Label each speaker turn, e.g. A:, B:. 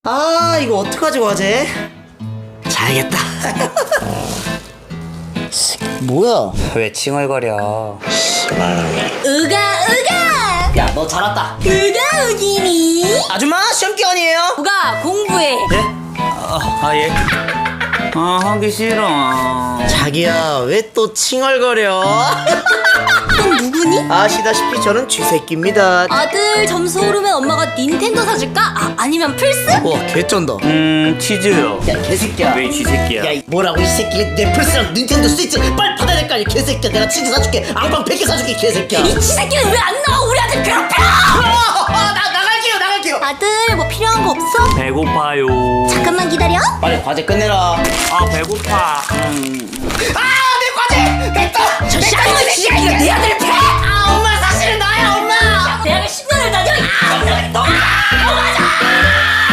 A: 아, 이거 어떡하지, 과제? 자야겠다. 뭐야?
B: 왜 칭얼거려?
C: 으가 으가
A: 야, 너 잘 왔다.
C: 으가 으기니
A: 아줌마, 시험 기간이에요.
C: 우가 공부해.
B: 예? 하기 싫어.
A: 자기야, 왜 또 칭얼거려?
C: 넌 누구니?
A: 아시다시피 저는 쥐새끼입니다.
C: 아들 점수 오르면 엄마가 닌텐도 사줄까? 아니면 플스?
A: 와, 개쩐다.
B: 치즈요.
A: 야, 개새끼야.
B: 왜 쥐새끼야?
A: 야, 뭐라고 이 새끼. 내 플스랑 닌텐도 스위치 빨리 받아야 될 거 아니야, 개새끼야. 내가 치즈 사줄게. 앙빵 100개 사줄게, 개새끼야.
C: 이 치새끼는 왜 안 나와? 우리 아들 괴롭혀!
A: 나갈게요.
C: 아들 뭐 필요한 거 없어?
B: 배고파요.
C: 잠깐만 기다려.
A: 빨리 과제 끝내라.
B: 배고파.
A: 내 과제! 됐다!
C: 저 쌍놈의 치새끼가 내 아들을 패!
A: 엄마, 사실은 나야, 엄마!
C: 대학을 10년을 다녀. 너가 맞아.